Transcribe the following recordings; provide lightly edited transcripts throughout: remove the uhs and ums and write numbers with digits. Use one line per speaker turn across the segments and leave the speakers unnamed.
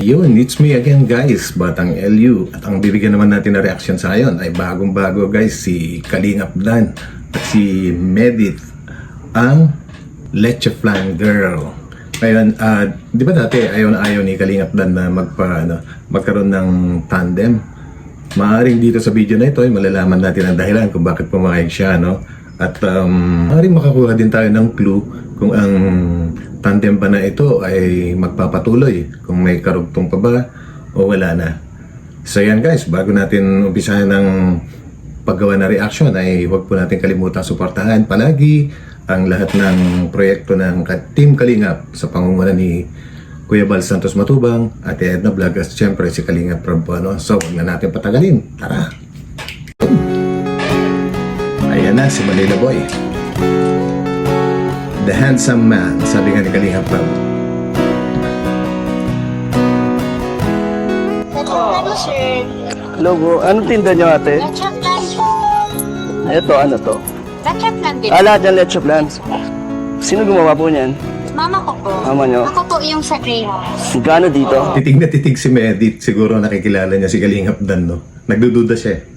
Yun, it's me again guys, Batang LU. At ang bibigyan naman natin na reaction sa ngayon ay bagong-bago guys, si Kalingap Dan at si Medit, ang Leche Flan Girl. Ngayon, di ba dati ayaw na ayaw ni Kalingap Dan na magkaroon ng tandem? Maaaring dito sa video na ito ay malalaman natin ang dahilan kung bakit pumayag siya, no? At maaaring makakuha din tayo ng clue kung ang tandem ba na ito ay magpapatuloy, kung may karugtong pa ba o wala na. So yan guys, bago natin umpisahan ng paggawa na reaction ay huwag po natin kalimutan suportahan palagi ang lahat ng proyekto ng Team Kalingap sa pangunguna ni Kuya Bal Santos Matubang at Edna Vlog at siyempre si Kalingap Prabhuano. So huwag na natin patagalin, tara! Ayan na si Manila Boy, the handsome man, sabi nga ni Kalingap Prab.
Ano, sir?
Logo, anong tinda niyo ate?
Leche plan po.
Ito, ano to?
Leche plan din.
Lahat ng leche plans. Sino gumawa po niyan?
Mama ko po.
Mama niyo?
Ako po yung sa greenhouse.
Gano dito?
Titig na titig si Medit, siguro nakikilala niya si Kalingap Dan, no? Nagdududa siya.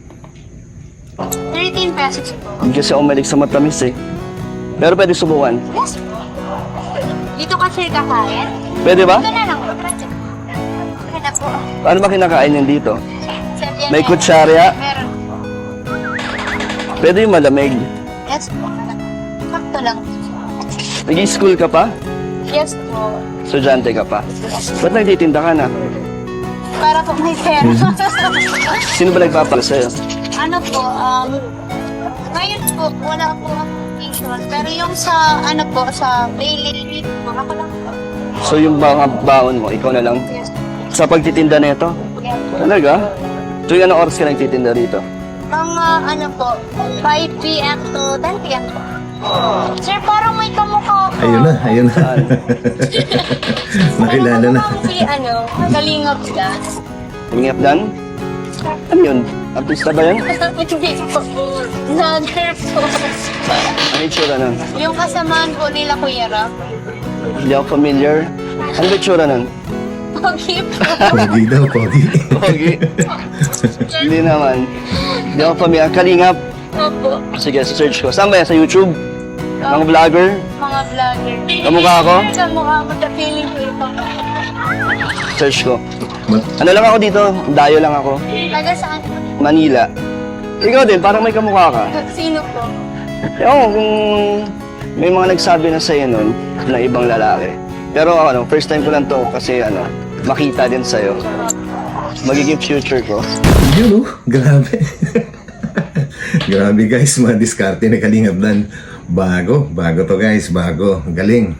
13 pesos po.
Hindi kasi umalig sa matamis eh. Pero pwede subukan.
Yes po. Dito ka, sir, kakain?
Pwede ba?
Ito na lang po. Okay na po.
Ano ba kinakain niyan dito?
Sir, yan
May
na.
kutsarya?
Meron.
Pwede yung malamig.
Yes po. Sakto lang.
Nag-i-school ka pa?
Yes po.
Estudyante ka pa? Ba't nagtitinda ka na?
Para po may pera.
Sino ba nagpapala sa'yo?
Ano po, ngayon po, wala po akong tuition. Pero yung sa, ano po, sa daily rate po, ako lang po.
So yung mga baon mo, ikaw na lang?
Yes po.
Sa pagtitinda na ito?
Yes.
Talaga? So yung anong oras ka nagtitinda rito?
Mga ano po, 5 p.m. to 10 p.m. po. Sir, parang may kamukha ko.
Ayun na, ayun na. Nakilala na.
Parang si, Kalingap Dan.
Kalingap Dan? Ano yun? Artista ba yun?
Hindi po. Vlogger po.
Ano yung tsura nun?
Yung kasamaan po nila Kuya Rap.
Hindi ako familiar. Ano ba yung tsura nun?
Pogi po.
Pogi daw, pogi.
Pogi. Hindi naman. Hindi ako familiar. Kalingap.
Opo.
Sige, search ko. Saan ba yan? Sa YouTube? Mga vlogger?
Mga vlogger.
Kamukha ako?
Kamukha mo. Feeling ko ito.
Search ko. Ano lang ako dito? Dayo lang ako.
Taga saan?
Manila. Ikaw din, parang may kamukha ka.
Sino po?
Ewan ko kung may mga nagsabi na sa'yo nun na ibang lalaki. Pero first time ko lang to kasi makita din sa'yo. Magiging future ko.
Yun, grabe. Grabe guys, mga diskarte ni Kalingap Dan. Bago to guys, bago. Galing.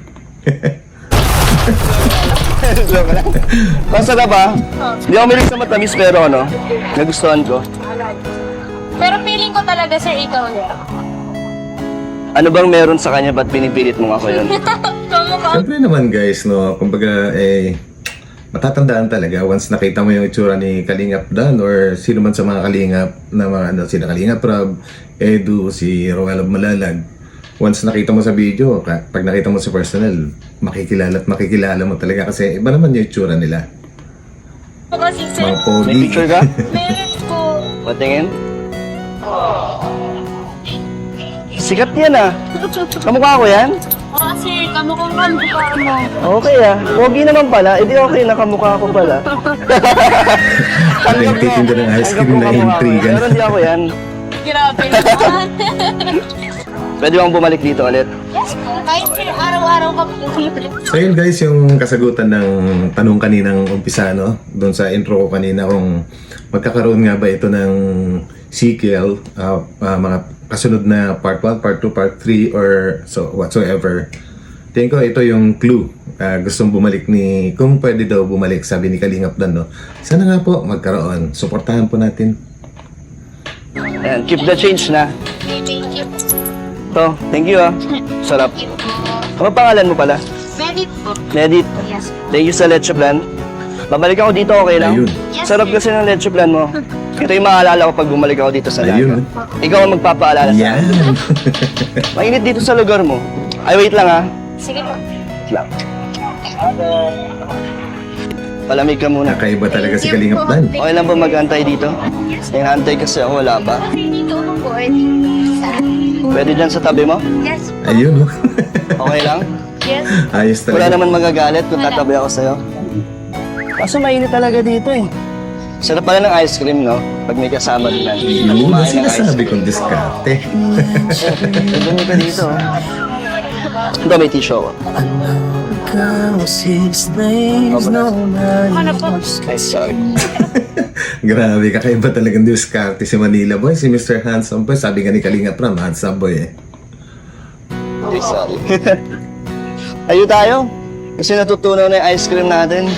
Joke lang. Masarap ba? Hindi ako milig sa matamis pero nagustuhan ko.
Pero feeling ko talaga, sir, ikaw niya.
Ano bang meron sa kanya ba't pinipilit mo ako yun?
Kamukha.
Siyempre naman guys, no, kumbaga matatandaan talaga once nakita mo yung itsura ni Kalingap Dan or sino man sa mga Kalingap na mga sina Kalingap Prab, Edu, si Roel of Malalag. Once nakita mo sa video, pag nakita mo sa personal, makikilala at makikilala mo talaga kasi iba naman yung itsura nila.
Kasi, sir,
Mga pogi.
May picture ka?
meron po.
Patingin? Sikat yan ah. Kamukha ko yan?
Oo, sir, kamukhang kamukha mo.
Okay ah. Pogi naman pala. Eh di okay, nakamukha ko pala.
Nagtitinda ng ice cream na intriga.
Pero hindi ako yan.
Grabe naman.
Pwede bang bumalik dito ulit?
Yes po. Kahit sir, araw-araw ka po.
So yun guys, yung kasagutan ng tanong kaninang umpisa, no? Doon sa intro ko kanina kung magkakaroon nga ba ito ng sequel, mga kasunod na part 1, part 2, part 3 or so whatsoever. Tingin ko ito yung clue. Gustong bumalik kung pwede daw bumalik, sabi ni Kalingap Dan, no? Sana nga po magkaroon. Suportahan po natin.
Ayan, keep the change na.
Thank you.
To, thank you ah. Sarap. Ano pangalan mo pala?
Merit po.
Medit.
Yes.
Thank you sa leche plan. Babalik ako dito, okay lang?
Ayun.
Sarap kasi ng leche plan mo. Ito yung maalala ko pag bumalik ako dito sa
Ayun.
Dagat. Ikaw ang magpapaalala sa
Yan.
akin. Mainit dito sa lugar mo. Ay, wait lang ah.
Sige po.
Wait lang. Palamig ka muna.
Kakaiba talaga si Kalingap Dan.
Okay lang ba mag-antay dito? Hinahantay kasi ako, wala pa.
Dito ako po.
Pwede dyan sa tabi mo?
Yes.
Ayun, oh.
Okay lang?
Yes.
Ayos
Wala
talaga.
naman magagalit kung
Wala.
tatabi ako sa'yo. Kaso mainit talaga dito eh. Sarap pala ng ice cream, no? Pag may kasama din natin.
Yun ang
Kumain ng ice
sinasabi
cream.
kong diskarte.
Dumi ka dito. Ito, may tissue ako.
Ano po?
Ay, sorry.
Grabe, kakaiba talagang diskarte si Manila Boy. Si Mr. Handsome Boy, sabi nga ni Kalingap Ram, handsome boy eh.
Ay, sorry. Ayo tayo. Kasi natutunaw na yung ice cream natin.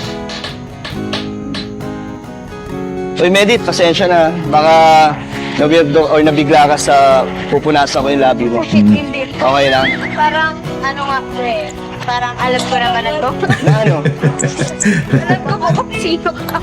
Uy, Medit, pasensya na. Baka nabigla or nabigla ka sa pupunasan ko yung labi mo.
Hindi.
Okay lang.
Parang, ano nga po eh. Parang alam ko naman na to.
Na ano?
Alam ko po kung sino ka.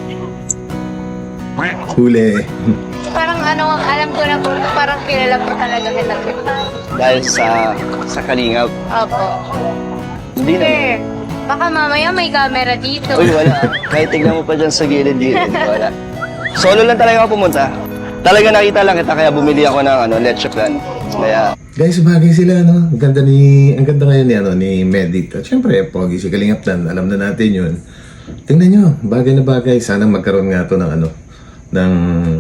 Huli.
Parang ano, alam ko na po. Parang kilala ko talaga kita.
Dahil sa kalingap.
Opo.
Hindi na.
Sir, baka mamaya may camera dito.
Uy, wala. Kahit tignan mo pa dyan sa gilid-gilid. Wala. Solo lang talaga ako pumunta. Talaga nakita lang kita kaya bumili ako ng leche flan. Kaya,
Guys, bagay sila, no? Ang ganda ngayon ni Medit. At syempre, pogi si Kalingap Dan. Alam na natin yun. Tingnan nyo, bagay na bagay. Sana magkaroon nga to ng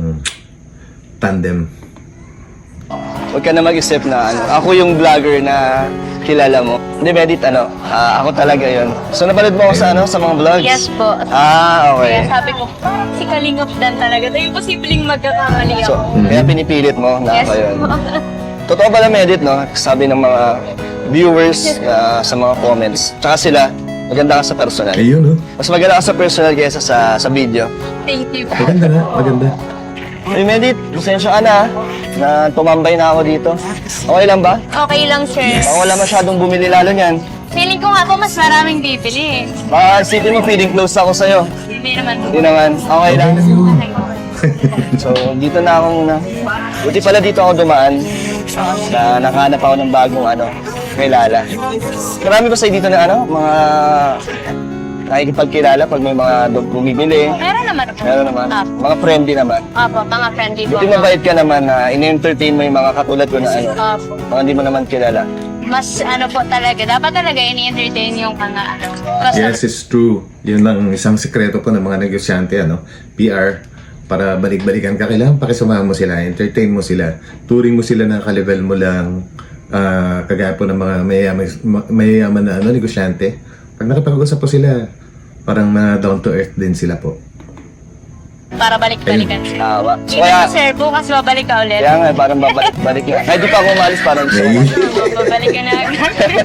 tandem.
huwag ka na mag-isip na ako yung vlogger na kilala mo. Hindi, Medit, ako talaga yon. So, napanood mo ako sa mga vlogs?
Yes po.
Ah, okay.
Kaya sabi ko, si Kalingap Dan talaga. Tayo posibleng magkakamali
So,
ako.
kaya pinipilit mo na
Yes
ako yun.
po.
Totoo pala, Medit, no? Sabi ng mga viewers sa mga comments. Tsaka sila, maganda ka sa personal.
Ayun, no?
Mas maganda ka sa personal kaysa sa video.
Thank you po.
Maganda nga, maganda.
Hey, Medit, pasensya ka na tumambay na ako dito. Okay lang ba?
Okay lang, sir.
Baka wala masyadong bumili lalo niyan.
Feeling ko nga po mas maraming bibili eh.
Baka isipin mo, feeling close ako sa'yo.
Hindi naman po.
Hindi naman. Okay lang.
Okay lang yun.
So, dito na ako muna. Buti pala dito ako dumaan na nakahanap ako ng bagong kilala. Marami ba sa'yo dito na mga nakikipagkilala pag may mga bumibili?
Meron naman po.
Meron naman.
Apo.
Mga friendly naman.
Apo, mga friendly po.
Buti mabait ka naman na in-entertain mo yung mga katulad ko na
Apo.
mga hindi mo naman kilala.
Mas po talaga. Dapat talaga ini-entertain yung mga customer.
Yes, it's true. Yun lang isang sekreto po ng mga negosyante, PR. Para balik-balikan ka, kailangan pakisamahan mo sila, entertain mo sila, turing mo sila na ka-level mo lang, kagaya po ng mga mayayaman na negosyante. Pag nakapag-usap po sila, parang down to earth din sila po.
Para balik-balikan.
Tawa. So,
Hindi
kaya,
na, sir. Bukas babalik ka ulit.
kaya nga, parang babalik na. Kahit di pa ako umalis, parang gusto ko.
Babalik ka na agad.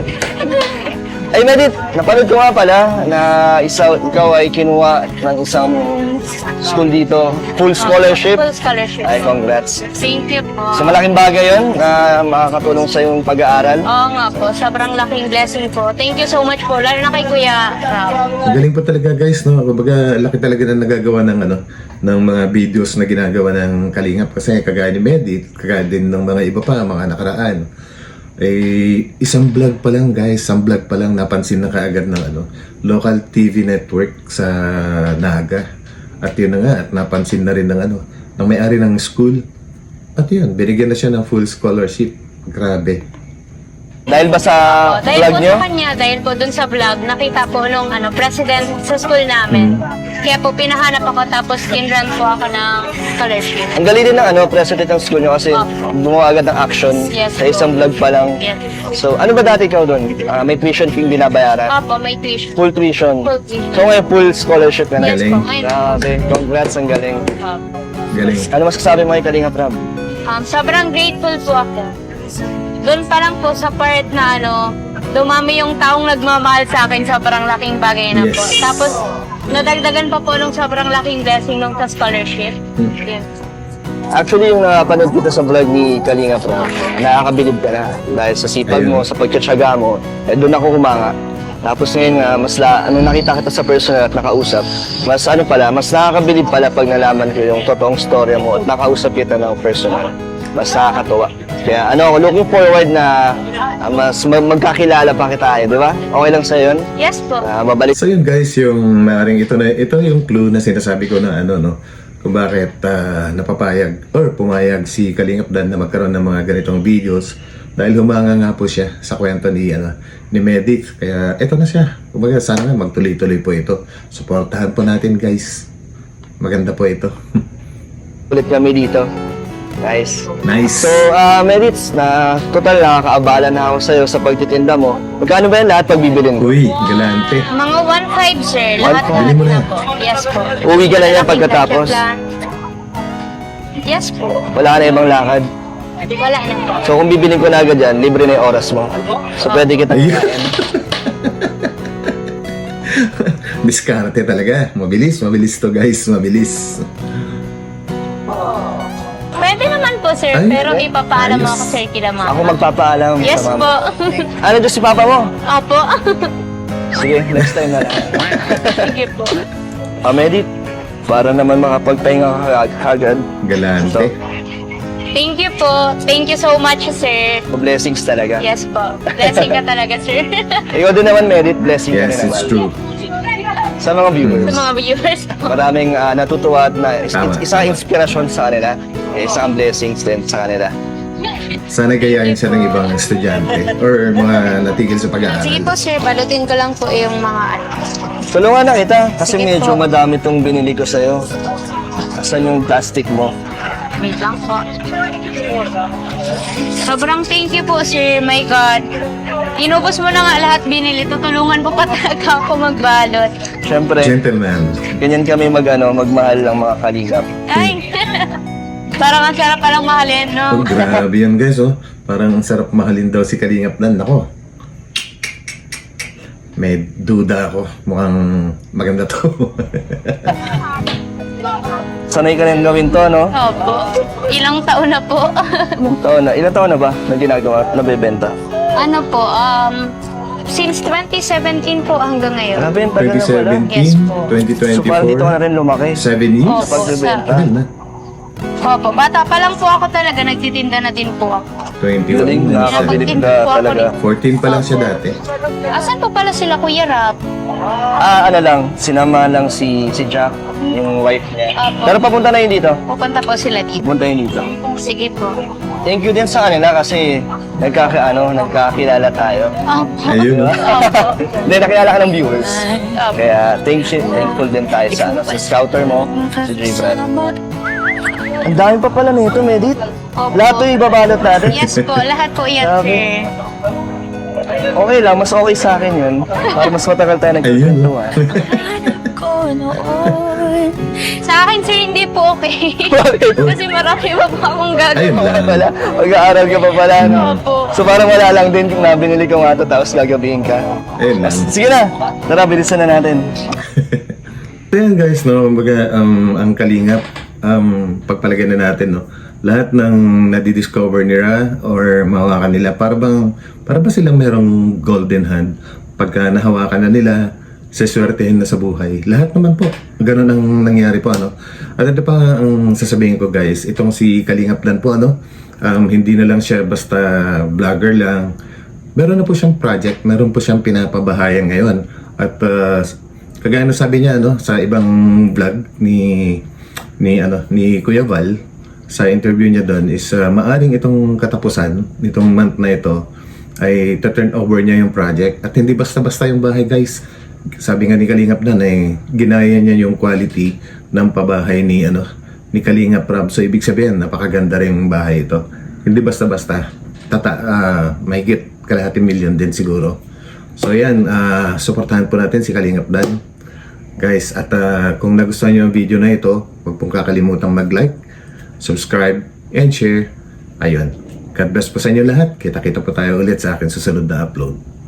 Ay, Medit, napanood ko nga pala na ikaw ay kinuha ng isang school dito. Full scholarship.
Full scholarship.
Ay, congrats.
Thank you po.
So, malaking bagay yun na makakatulong sa yung pag-aaral.
Oo nga po. Sobrang laking blessing po. Thank you so much po. Lalo na kay Kuya Rao.
Ang galing po talaga guys, no? Kumbaga, laki talaga na nagagawa ng mga videos na ginagawa ng Kalingap. Kasi kagaya ni Medit, kagaya din ng mga iba pa, mga nakaraan. Isang vlog pa lang guys, napansin na kaagad ng local TV network sa Naga. At yun na nga, at napansin na rin ng may-ari ng school. At yun, binigyan na siya ng full scholarship. Grabe.
Dahil ba sa
Dahil
vlog
po
nyo?
sa kanya, dahil po dun sa vlog, nakita po nung president sa school namin. Kaya po pinahanap ako tapos kinrun po ako ng scholarship.
Ang galing din ng president ng school nyo kasi gumawa agad ng action
Yes,
sa isang vlog pa lang.
Yes.
So, ano ba dati ikaw doon? May tuition fee binabayaran?
Opo, may tuition.
Full tuition.
Full tuition.
So, ngayon full scholarship ka na.
Yes
Galing.
po, ngayon.
Grabe, congrats, ang galing.
Opo.
Galing.
Ano masasabi mo kay Kalinga Prab?
Sobrang grateful po ako. Doon pa lang po sa part na dumami yung taong nagmamahal sa akin, sobrang laking bagay na po.
Yes.
Tapos, nadagdagan pa po nung sobrang laking blessing nung sa scholarship. Yes.
Actually, yung napanood kita sa vlog ni Kalinga Prab, nakakabilib ka na dahil sa sipag mo, sa pagtsatsaga mo, doon ako humanga. Tapos ngayon nga, nakita kita sa personal at nakausap, mas nakakabilib pala pag nalaman ko yung totoong storya mo at nakausap kita ng personal. mas nakakatuwa. Kaya looking forward na mas magkakilala pa kita di ba? Okay lang sa yun?
Yes po.
Mabalik
So yun guys, yung maaring ito yung clue na sinasabi ko na kung bakit napapayag or pumayag si Kalingap Dan na magkaroon ng mga ganitong videos dahil humanga nga po siya sa kwento ni Medit. Kaya ito na siya. Kumbaga sana nga magtuloy-tuloy po ito. Suportahan po natin guys. Maganda po ito.
ulit kami dito. Guys.
Nice.
So, Medits, na total nakakaabala na ako sa'yo sa pagtitinda mo. Magkano ba yan lahat pagbibilin ko?
Uy, galante.
Mga 1.5 sir. Lahat
1.5.
Bili mo na.
po. Yes po.
Uwi ka na yan pagkatapos.
Yes po.
Wala ka na ibang lakad.
Wala na po.
So, kung bibilin ko na agad yan, libre na yung oras mo. So, pwede kita
Ayun.
kakain.
Diskarte talaga. Mabilis to guys. Mabilis.
Pwede naman po sir,
Ay,
pero ipapaalam
ayos.
ako sir kila mama.
Ako magpapaalam
Yes
sa
po.
mama. Ano dyan si papa mo?
Opo.
Sige, next time na lang.
Sige po.
Medit, para naman makapagpahinga ka agad.
Galante.
Thank you po. Thank you so much sir.
Blessings talaga.
Yes po. Blessing ka talaga sir.
Ikaw din naman, Medit, blessing ka
Yes,
rin
it's
naman.
true.
Sa mga viewers.
Sa mga viewers po.
Maraming natutuwa at
Tama.
isang inspirasyon sa kanila. Isang blessings din sa kanila.
Sana gayahin siya ng ibang estudyante or mga natigil sa pag-aaral.
Sige po sir, balutin ko lang po yung mga
Tulungan na kita kasi
Sige
medyo
po.
madami tong binili ko sa'yo. Asan yung plastic mo?
Wait lang po. Sobrang thank you po, sir. My God. Inubos mo na nga lahat binili. Tutulungan po pa talaga ako magbalot.
Siyempre,
Gentleman.
ganyan kami magmahal ng mga kalingap.
Ay! Parang ang sarap palang mahalin,
Oh,
no?
grabe yan guys, oh. Parang ang sarap mahalin daw si Kalingap Dan. Nako. May duda ako. Mukhang maganda to.
Sanay ka rin gawin to, no?
Opo. Ilang taon na po.
Ilang taon na ba na ginagawa, nabebenta?
Ano po, since 2017 po hanggang ngayon.
Grabe, ang tagal na pala.
2017,
Yes po.
So parang dito ka na
2024,
rin lumaki.
7 years?
Opo,
Pagbebenta.
Tagal na.
Opo, bata pa lang po ako talaga. Nagtitinda na din po ako.
21,
Galing,
27.
nakakabilib
Nakapagtinda
ka
po ako
talaga.
14 pa lang siya dati.
Asan po pala sila, Kuya Rap?
Ano lang, sinama lang si Jack, yung wife niya.
Opo.
Pero papunta na yun dito.
Pupunta po sila dito.
Pupunta yun dito.
Sige po.
Thank you din sa kanila kasi nagkakilala tayo.
Opo.
Ayun, oh.
Opo.
Hindi, nakilala ka ng viewers.
Opo.
Kaya thankful din tayo sa sa scouter mo, si J. Brad. Ang dami pa pala nito, Medit.
Opo.
Lahat to ibabalot natin.
Yes po, lahat po yan,
Grabe.
sir.
Okay lang, mas okay sa akin yun. Para mas matagal tayo
Ayun,
nagkikwentuhan.
Sa akin, sir, hindi po okay.
Bakit?
Kasi marami pa po akong
Ayun
gagawin.
lang.
Wala, mag-aaral ka pa pala, no?
Opo.
So parang wala lang din kung nabinili ko nga to tapos gagabihin ka.
Ayun lang.
Sige na, tara, bilisan na natin.
So yan guys, no, kumbaga, ang Kalingap, pagpalagay na natin, no, lahat ng nadidiscover nila or mahawakan nila, para ba silang merong golden hand pagka nahawakan na nila, seswertehin na sa buhay. Lahat naman po, ganun ang nangyari po, ano. At ito pa ang sasabihin ko guys, itong si Kalingap Dan po, ano, hindi na lang siya basta vlogger lang. Meron na po siyang project, meron po siyang pinapabahayan ngayon. At kagaya na sabi niya, ano, sa ibang vlog ni Kuya Val, sa interview niya doon is maaring itong katapusan nitong month na ito ay turn over niya yung project at hindi basta-basta yung bahay guys. Sabi nga ni Kalingap Dan ginaya niya yung quality ng pabahay ni Kalingap Rob. So ibig sabihin napakaganda rin yung bahay ito. Hindi basta-basta. Mahigit kalahating milyon din siguro. So yan, suportahan po natin si Kalingap Dan guys. At kung nagustuhan niyo yung video na ito, huwag pong kakalimutang mag-like, subscribe, and share. Ayun. God bless po sa inyo lahat. Kita-kita po tayo ulit sa akin susunod na upload.